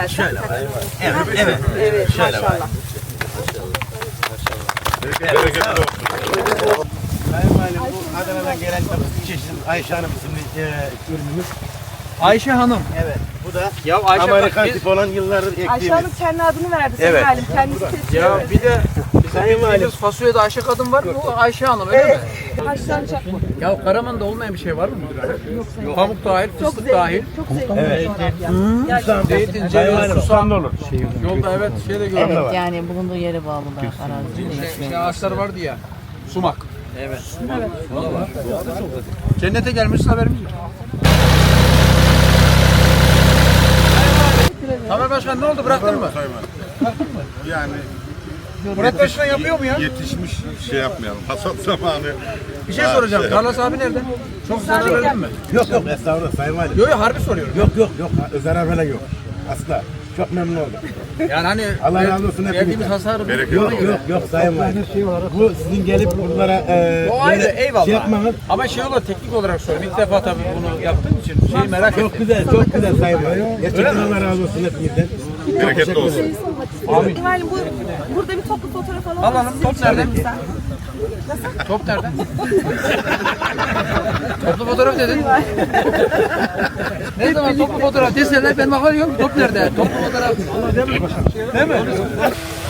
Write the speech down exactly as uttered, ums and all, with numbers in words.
zaten. Şöyle var. Evet, Evet. evet, Şöyle var. maşallah. Bereketli olsun. Sayın Valim, bu Adana'dan gelen çeşit Ayşe Hanım isimli e, ürünümüz. Ayşe Hanım. Evet. Bu da Ya Ayşe Amerikan biz- tipi olan yıllardır ektiğimiz. Ayşe Hanım kendi adını verdi. Sayın Evet. Valim. Kendisi seçiyor. Ya bir de Sayın Valim. bildiğimiz fasulyede Ayşe kadın var, bu Ayşe Hanım öyle mi? Haşlanacak mı? Ya Karaman'da olmayan bir şey var mı? Yok. Pamuk dahil, Çok fıstık dahil. zengin. Çok zengin. Evet. bir coğrafya. Zeytin, Sayın ceviz, Valim, susam. tam da olur. Yolda evet şey de gördüm. Evet. Yani bulunduğu yere bağlı da arazi. Şey, şey ağaçlar vardı ya. Sumak. Evet. Vallahi. Cennete gelmişsin haberimiz yok. Tamer Başkan ne oldu, bıraktın mı? Yani Murat Başkan yapıyor mu ya? yetişmiş şey yapmayalım. Hasat zamanı. Bir şey Ha, soracağım. şey Tarlas abi nerede? Çok zarar verdin mi? Yok yok estağfurullah Sayın Valim. Yok yok harbi soruyorum. Yok yok yok. Zarar falan yok. Asla. Çok memnun oldum. Yani hani Allah razı olsun verdiğimiz hepinizden. hasarı Bereketli Yok olsun. yok yok Sayın Valim. Bu sizin gelip buralara e, O ayrı, böyle eyvallah. şey yapmanız Ama şey olarak, teknik olarak soruyorum. İlk defa tabii bunu yaptığım için şeyi merak çok ettim. güzel, çok güzel Sayın Valim. Gerçekten Allah razı olsun hepinizden. Bereketli olsun. Sayın Valim, bu, burada bir toplu fotoğraf alalım. Alalım. Sizin Top için nerede? elimizden. Top nerede? Toplu fotoğraf dedin. Ne zaman toplu fotoğraf deseler ben bakıyorum top nerede? Toplu fotoğraf. Değil mi?